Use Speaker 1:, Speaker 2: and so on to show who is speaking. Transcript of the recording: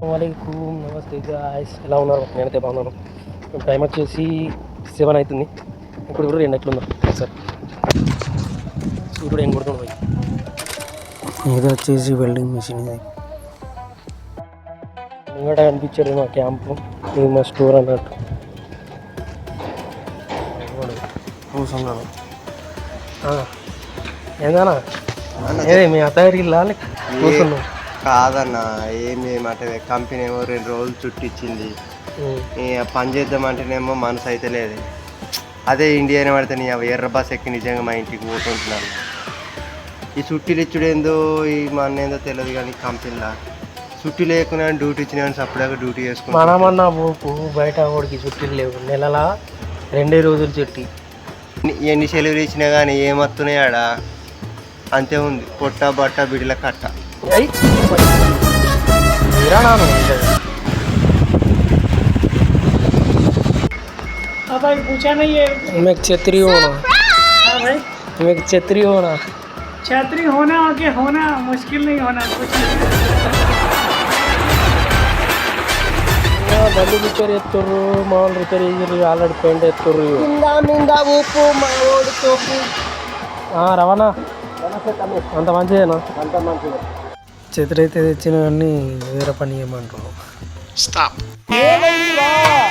Speaker 1: వాలేకుమ్ నమస్తే గాయ్స్, ఎలా ఉన్నారు? నేనైతే బాగున్నాను. టైం వచ్చేసి 7 అవుతుంది. ఇప్పుడు కూడా 2 ఎట్లుందో సార్ సూర్యుడు ఏం కొడుతున్నాయి. ఇది వచ్చేసి వెల్డింగ్ మిషన్. ఇది ముంగట కనిపించాడు మా క్యాంపు, ఇది మా స్టోర్ అన్నట్టు. కూర్చున్నాను. ఏందన్నా ఏదే మీ అత్తగారికి కూర్చున్నాం
Speaker 2: కాదన్న. ఏం చేయమంటే కంపెనీ ఏమో 2 రోజులు చుట్టిచ్చింది. పని చేద్దామంటేనేమో మనసు అయితే లేదు. అదే ఇండియానే పడితే నీ ఎర్ర బస్ ఎక్కి నిజంగా మా ఇంటికి పోతుంటున్నాను. ఈ చుట్టీలు ఇచ్చుడేందో ఈ మా అన్న ఏందో తెలియదు కానీ కంపెనీలో చుట్టి లేకున్నా డ్యూటీ ఇచ్చిన సపరేట్గా డ్యూటీ చేసుకున్నాను.
Speaker 1: మనమన్నా పోపు బయట ఓడికి చుట్టీలు లేవు. నెలలా 2 రోజులు చుట్టి
Speaker 2: ఎన్ని సెలవులు ఇచ్చినా కానీ ఏమత్తున్నాయి ఆడ అంతే ఉంది. పొట్ట బట్ట బిడిల కట్ట.
Speaker 1: भाई पूछा नहीं है मैं छतरी होना। हाँ भाई मैं छतरी होना। छतरी होना आगे होना मुश्किल नहीं होना कुछ బండి రిపేర్ ఎత్తుర్రు, మామూలు రిపేర్ చేసి ఆల్రెడీ పెయింట్ ఎత్తుర్రు. నిందా ఉప్పు మా ఓడి తోపు. రవాణా అంత మంచిదేనా? అంత మంచిదే. ఛత్రి అయితే తెచ్చిన కానీ వేరే పని చేయమంటారు. స్టాప్.